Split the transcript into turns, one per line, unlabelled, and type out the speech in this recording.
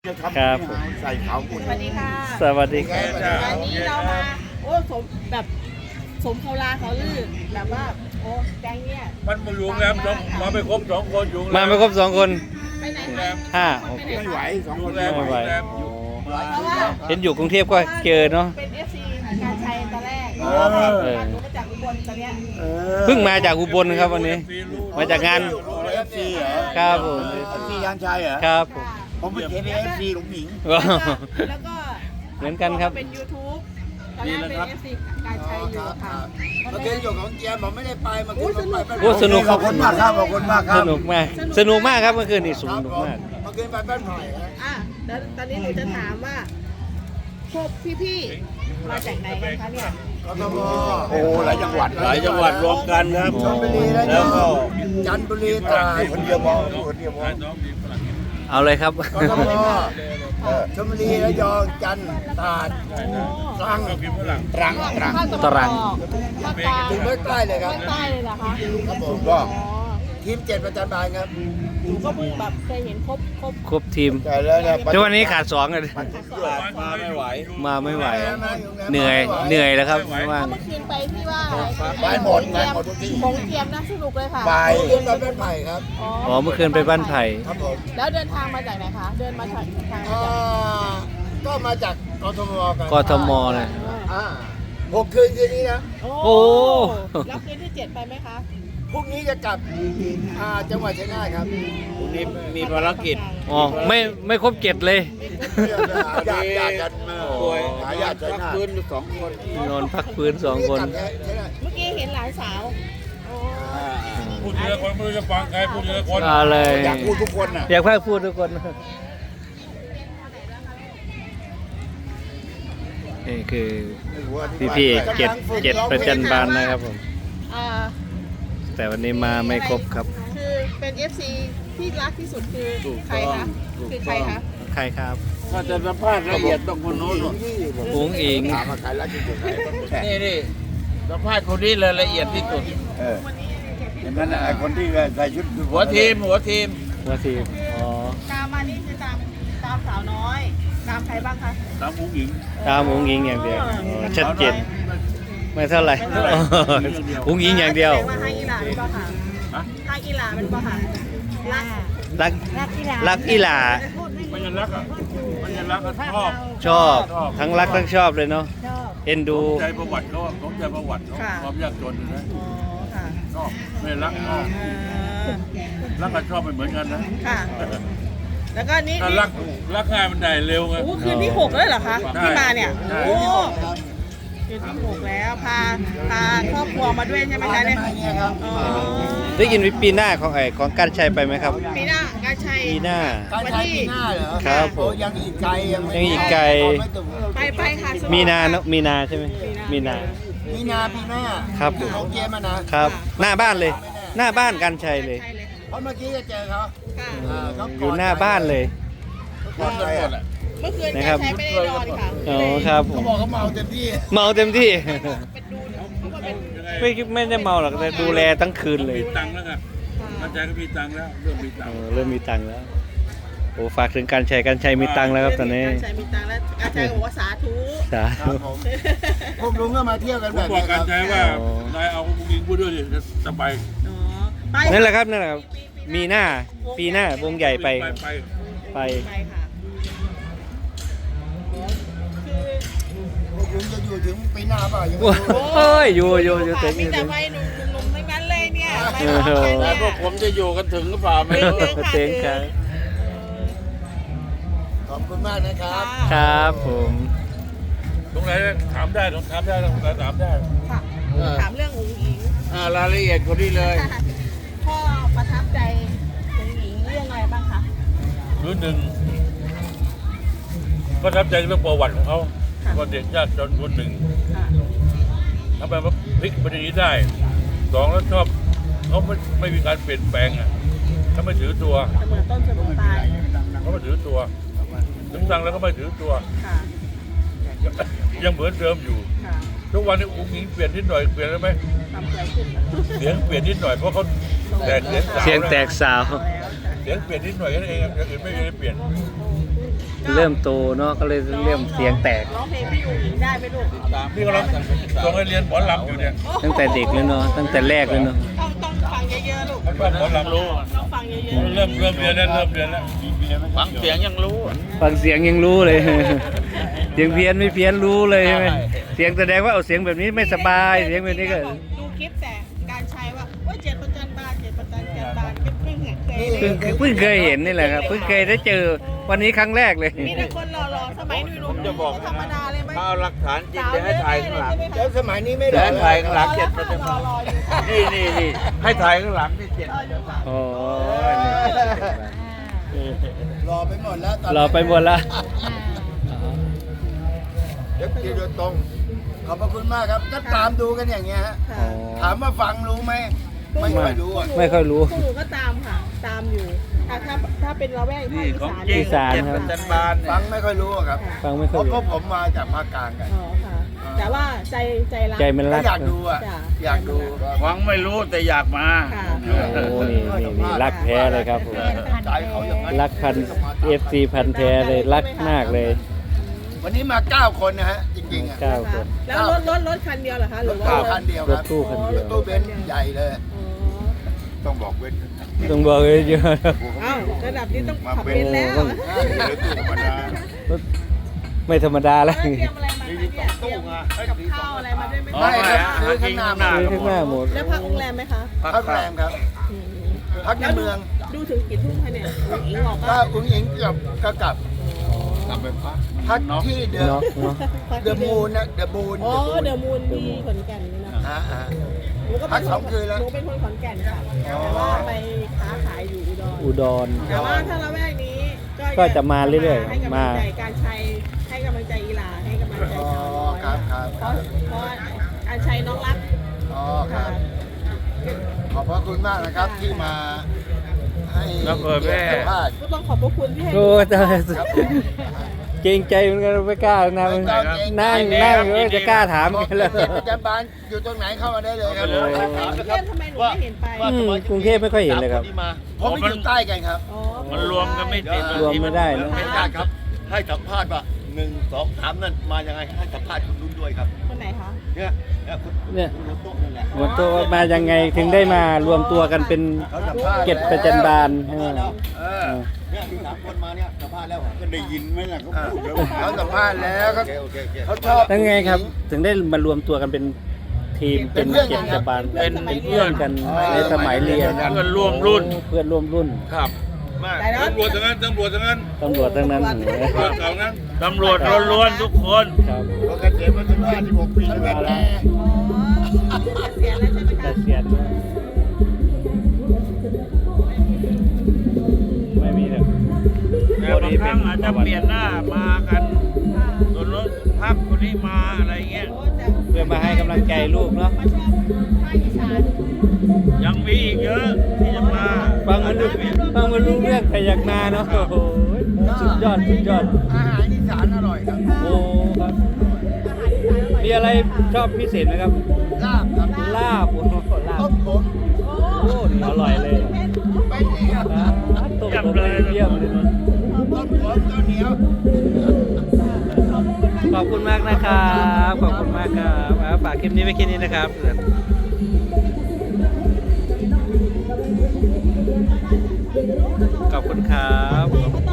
ครับ
ใส่ขาวปุ่น
สวัสดีค่ะ
สวัสดีครับ
วันนี้เรามาโอ้สมเขาลาเขาลือแบบว่าโอ้แดงเนี่ย
มันมาอยู่โรงแรมมาไม่ครบ2 คนอยู่
มาไม่ครบ2 คน
ไปไหนคะ
5 6
ไม่ไหวสองคน
ไม่ไหว
เพราะว่า
เห็นอยู่กรุงเทพก็เจอเนาะ
เป็น FC การชัยตอนแรก
เออ
หนูมาจากอุบลตอนเนี้ย
เพิ่งมาจากอุบลครับวันนี้ มาจากงาน
เอฟซีเหรอ
ครับผม
เอฟซียานชัยเหรอ
ครับผม
ผมเป็นเอฟซีหลวงหมิง
แล้วก็
เหมือนกันครับ
เป็น YouTube ตอนแรกเป็น FC การชัยอยู่ค่ะ
เมื่อคืนอยู่ของเจียมผมไม่ได้ไปเมื่อคืนผมไป
โอ้สนุก
ขอบคุณมากครับขอบคุณมากครั
ส
บ
นุกมาก สนุกมากครับเมื่อคืนนี่ส
ครับ
นุก
ผม
มาก
เมื่อคืนไปบ้านไผ่ฮะ
อ่ะแล้วตอนนี้หนูจะถามว่าพวกพี่ๆมาจากไหนกันคะเนี่ย
กทมโอ้หลายจังหวัด
หลายจังหวัดรวมกันครับ
ชลบุรีแล้ว
แล้วก็
จันทบุรีตราดคนเดียวพอคนเดียวพอ
เอาเลยครับ
กทมชลบุรีระยองจันทร์ตราดตรังตรัง
ตรัง
ภาคกลาง
ถึงภาคใต้เลยครับ
ภาคใต้เลยเหรอคะ
ครับผม
อ๋อ
ทีม7ประจันบานครับ
หนูก็เพิ่งแบบเคยเห็นครบ
ครบทีม
แต่แล้วเนี่ย
แต่วันนี้ขาด2เลย
มาไม่ไหว
มาไม่ไหว เหนื่อยแล้วครับว่าง
เมื่อคืนไปที่ว่าอะไร
ไปหมดไปหมดทุกที่
ของเทียมนะสนุกเลยค่ะ
ไปเดินไปเป็นไผ่ครับ
อ๋อเมื่อคืนไปบ้านไผ่
ครับผม
แล้วเดินทางมาจากไหนคะ เดินมาทางมาจาก
ก็มาจากกทมกัน
กทมเลย
6 คืนคืนนี้นะ
โอ้
แล้วคืนที่ 7 ไปไหมคะ
พรุ่งนี้จะกลับจังหวัดชัยนาทครับ
พรุ่งนี้มีภารกิจ
อ๋อไม่ครบ7เลย
ญาติกันมา
ป่วย
หาญาติชัยนาท
พื้น2 คน
นอนพักพื้น2 คน
เมื่อกี้เห็นหลานสาวอ๋อ
พูดทีละคนไม่รู้จะฟังใครพูดทีละคน
เอาเลย
อยากพูดทุกคนน่ะ
อยากให้พูดทุกคน นี่คือพี่ๆ7ประจันบานนะครับผม
อ่า
แต่วันนี้มาไม่ครบครับ
คือเป็น FC ที่รักที่สุดคือใครคะ คือใครคะ
ใครครับ
ถ้าจะสัมภาษณ์ละเอียดต้องคนโน้น
อุ๋งอิง
ถามมาใครรักที่สุดใคร
นี่สัมภาษณ์คนนี้เลยละเอียดที่สุด
เห็นไหมนะไอ้คนที่ใส่ชุด
หัวทีม
ว่าทีมอ๋อ
ตามมานี่คือตามสาวน้อย ตามใครบ้างคะ
ตามผู้หญิง
ตามอุ๋งอิงอย่างเดียวอ๋อชัดเจนไม่เท่าไหร่อุ๋งอิงอย่างเดียว
แสดงว่าทางอีหลาเป็นป่ะค่ะทางอีหลาเป็นป่ะค่ะรัก
รักอีหลา
ไม่ยันรักอ่ะไม่ยันรักก็ชอบ
ชอบ ทั้งรักทั้งชอบเลยเนาะเอ็นดู
ใจประวัติเขาสนใจประวัติเขาความยากจนนะ
อ๋อค่ะ
ชอบไม่รักชอบรักกับชอบไม่เหมือนกันนะ
ค่ะ แล้วก็นี่
ถ้ารักง่ายมันได้เร็วไง
โอ้คืนที่ 6แล้วเหรอคะ
ใช่
ที่มาเนี่ย
ใช่
โอ้คืนที่ 6 แล้ว พาครอบครัวมาด้วยใช่ไหมคะเนี่ยอ๋อ
ได้ยินวิปีหน้าของการชัยไปไหมครับ
ปีหน้าการชัย
ปีหน้า
การใช้ปีหน้าเหรอ
ครับผม
โอ้ยังอีกไกลยังไม่
ยังอีกไกล
ไม่ถึง
ไปค่ะสนุก
มีนาเนอะมีนาใช่ไหมมีนา
มีนาปีหน้า
ครับ
ของเจมานะครับ
หน้าบ้านเลย หน้าบ้านการชัยเลย
ใช่เลยค่ะ
เพราะเมื่อกี้ก็เจอเขา
ค่ะ
เขา
อยู่หน้าบ้านเลย
คนกันหมดแหละ
เมื่อคืน
นะ
การ
ครับ
ชัยไม่ได้นอนค่ะ
อ๋อครับผ
เขา
ม
บอกเขาเมาเต็มที่
เมาเต็มที่
เป็นดูเพราะว่าเป็น
ไม่ได้เมาหรอกแต่ดูแลทั้งคืนเลย
มีตังค์แล้วไงเข้าใจก็มีตังค์แล้วเรื่องมีตังค์
เริ่มมีตังค์แล้วโอ้ฝากถึงการชัยมีตังค์แล้วครับตอนนี้
การชัยมีตังค์แล้วการชัยก็บอกว่าสาธุ
สา
ครับผมพวกลุงก็มาเที่ยวกัน
ผ
แบ
ม
บ
บอก
นี้ค
กั
รั
น
บ
ใจว่านายเอาผู้หญิงพูดด้วยดิจะสบาย
อ๋อไป
นั่นแหละครับมีหน้าปีหน้าวงใหญ่ไป
ไป
ไป
ไปค่ะคือ
พวกลุงจะอยู่ถึงปีหน้าเปล่ายังไม่
โอ้
รู้
อยู่ถึง
มีแต่วัยหนุ่มๆทั้งนั้นเลยเนี่ยไป
เออ
พร้อมกัน
แล้
เนี่
วย พวกผมจะอยู่กันถึงหรือเปล่าไม่รู้
เต็งครับ
ขอบคุณมากนะครับ
ครับผม
ตรงไหนถามได้ตรงถามได้ตรงไหนถามได้
ค่ะถามเรื่องอุ๋งอิง
รายละเอียดคนนี้เลย
พ่อประทับใจอุ๋งอิงเรื่องอะไรบ้างคะ
คือหนึ่งก็ทับใจเรื่องประวัติของเขาว่าเด็กยากจนคนหนึ่ง
ค่ะ
ทำไมมาพลิกประเด็นนี้ได้สองแล้วชอบเขาไม่มีการเปลี่ยนแปลงอ่ะเขาไม่ถือตัว
เสมอต้นเสมอปลาย
เขาไม่ถือตัวถึงสั่งแล้วก็ไม่ถือตัว
ค่ะ
ยังเหมือนเดิมอยู่
ค่ะ
ทุกวันนี้อุ้งอิงเปลี่ยนนิดหน่อยเปลี่ยนได้ไหม
ทำใจขึ้น
เสียงเปลี่ยนนิดหน่อยเพราะเขาแตกเสียงสาว
เสียงแตกสาว
แล้ว
เสียงเปลี่ยนนิดหน่อยแค่นั้นเองอย่างอื่นไม่ได้เปลี่ยน
เริ่มโตเนาะก็เลยเริ่มเสียงแตก
ร้องเพลงพี่อุ๋งอิงได้ไหมลูก
นี่ก็เราส่งให้เรียนหมอลำอยู่เนี่ย
ตั้งแต่เด็กเลยเนาะตั้งแต่แรกเลยเนาะ
ต้องฟังเยอะๆลูก
มันว่าหมอลำรู้
ต้องฟังเยอะๆ
เริ่มเรียนแล้วเริ่มเรียนแล้ว
ฟังเสียงยังรู้
ฟังเสียงยังรู้เลย เสียงเพี้ยนไม่เพี้ยนรู้เลยใช่ไหมเสียงแสดงว่าเอาเสียงแบบนี้ไม่สบายเสียงแบบนี้ก็
ดูคลิปแต่การใช้ว่าเจ็ดประจันบานเจ็ดประจันบานเพิ่งเคย
เพิ่งเคยเห็นนี่แหละครับเพิ่งเคยได้เจอวันนี้ครั้งแรกเลย
มีแต่คนหล่อๆสมัยหนุ่มๆ
จะบอก
ธรรมดาเลยไหม
ถ้าเอาหลักฐานจริงจะให้ถ่ายข้างหลัง
แล้วสมัยนี้ไม่
จะ
ได้
ให้ถ่ายข้างหลังเจ็ด
ร
ประจันบาน
ออยู่ค่ะ
นี่ให้ถ่ายข้างหลังนี่เจ็ด
โอ้
รอไปหมดแล้วตอน
เราไปหมดละ
เดี๋ยวตีโดยตรง ขอบพระคุณมากครับก็ตามดูกันอย่างเงี้ยฮะ
ค่ะ
ถามว่าฟังรู้ไหมไม่ค่อยรู้อ่ะ
ไม่ค่อยรู้
พวกหนูก็ตามค่ะ ตามอยู่ถ้าเป็นละแวกภา
นี่
ค
ของ
อี
จริง
สาน
อีสาน
เจ็ดประจันบาน
ฟังไม่ค่อยรู้อะครับ
ฟังไม่
เพ
ค่อย
ราะ
รู้
พวกผมมาจากภาคกลางกัน
อ๋อค่ะ แต่ว่าใจรัก
ใจมัน
ก็
รัก
อยากดูอ่ะ
จ้ะ
อยากดู
ฟังไม่รู้แต่อยากมา
ค่ะ
โอ้นี่รักแท้เลยครับผม
ใจเขาอย่างนั้น
รักพัน FC พันแท้เลยรักมากเลย
วันนี้มา 9 คนนะฮะ จริงๆอ่ะ
9 คน
แล้วรถคันเดียวเหรอคะหรือว่า
9 คันเดียว
ร
ค
ถ
รับ
ตู้คันเดียว
ตู้เบนซ์ใหญ่เลย
อ๋อ
ต้องบอกเว้น
ต้องบอกเลยเยอะ
อ้าวระดับนี้ต้องขับเป็นแล้ว
ไม่ธรรมดาแล้ว
เตรียมอะไรมาเนี่ยเตรียมกับข้าวอะไรมาด้วยไหม
ไม่ครับซื้อข้างหน้าหมด
ซื้อข้างหน้าหมด
แล้วพักโรงแรมไหมคะ
พักแรมครับ
อืม
พักในเมือง
ดูถึงกี่ทุ่มคะเนี่ยอุ๋งอิงบอก
ก็
ว่า
อุ้งอิงก็กลับพักที่เดอะ
เนาะเนาะ
เดอะมูนนะเดอะมูน
อ๋อเดอะมูนที่ขอนแก่นนี่นะ
ฮะ
หนูก็
พั
เป็น
ก2 คืนแล้ว
หนูเป็นคนขอนแก่นค่ะแต่ว่าไปค้าขายอยู่อุดร
อุดร
แต่ว่าถ้าละแวกนี้
ก็จะมาเรื่อยๆ
ให้กำลัง
มา
ใจการชัยให้กำลังใจอีหลาให้กำลังใจชาวน้อย
ครับครับ
เพราะการชัยน้องรัก
อ๋อครับ ขอบพระคุณมากนะครับที่มาให้
แล้วเปิดแม่
สัมภาษณ์
ก็ต้องขอบพระคุณที่ให้
โอ้ย
ครับผม
เกรงใจเหมือนกันไม่กล้านะมันนั่งจะกล้าถามกันเลย
เจ็ดประจำบานอยู่ตรงไหนเข้ามาได้เลยครับ
โอ้
กรุงเทพทำไมหนูไม่เห็นไป
กรุงเทพไม่ค่อยเห็นเลยครับ
ผมไม่อยู่ใต้กันครับ
อ๋อ
มันรวมกันไม่ติด
รวมไม่ได้เนอะ
เป็นการครับ ให้สัมภาษณ์ว่า1 2 3นั่นมายังไงให้สัมภาษณ์คุณนุ่นด้วยครับ
คนไหนคะ
เนี่ยคุณ
เนี่ย
คุณนุ่นโต๊ะนั่นแหละ
หมดตัวมายังไงถึงได้มารวมตัวกันเป็น
เขาสัมภาษณ์
เก็บประจันบานใช่ไหม
เนี่ยมี3 คนมาเนี่ยสัมภาษณ์แล้วก็ได้ยินไหมล่ะเขาพูดแล้ว
เขาสัมภาษณ์แล้วเขา
โอเค
เขาชอบ
ตั้งไงครับ ถึงได้มารวมตัวกันเป็นทีมเป็นเก็บประจันบานเป็นเพื่อนกันในสมัยเรียน
เพื่อนร่วมรุ่น
เพื่อนร่วมรุ่น
ครับ
แต่แล้ว
ตำรวจทั้งนั้น
ตำรวจทั้งนั้น
ตำรวจเก่านั้น
ตำรวจล้วนๆทุกคน
ครับ
เขาเกษียณมาถึง56 ปีแล้วแม่
อ๋อเสียแล้วใช่ไหม
เก
คะ
ษียณไม่มีเลย
แต่บางครั้งอาจจะเปลี่ยนหน้ามากันส่วนรถพักคนนี้มาอะไรเงี้ย
โอ้แต่
เพื่อมาให้กำลังใจลูกเนาะ
มาชอบภาคอีสาน
ยังมีอีกเยอะที่จะมา
ฟังมันรู้เรื่องพยักหน้าเนาะโอ้โหสุดยอด
อาหารอีสานอร่อยครับ
โอ้ครับมีอะไรชอบพิเศษไหมครับ
ลาบครับ
ลาบโอ้โหลา
ต้
บ
มผม
โอ้นี่อร่อยเลย
ไม่ดีครับ
ต้มผมเลยเยี่ยมเลย
ต้มผมข้าวเหนียว
ขอบคุณมากนะครับขอบคุณมากครับฝากคลิปนี้ไว้แค่นี้นะครับขอบคุณครับ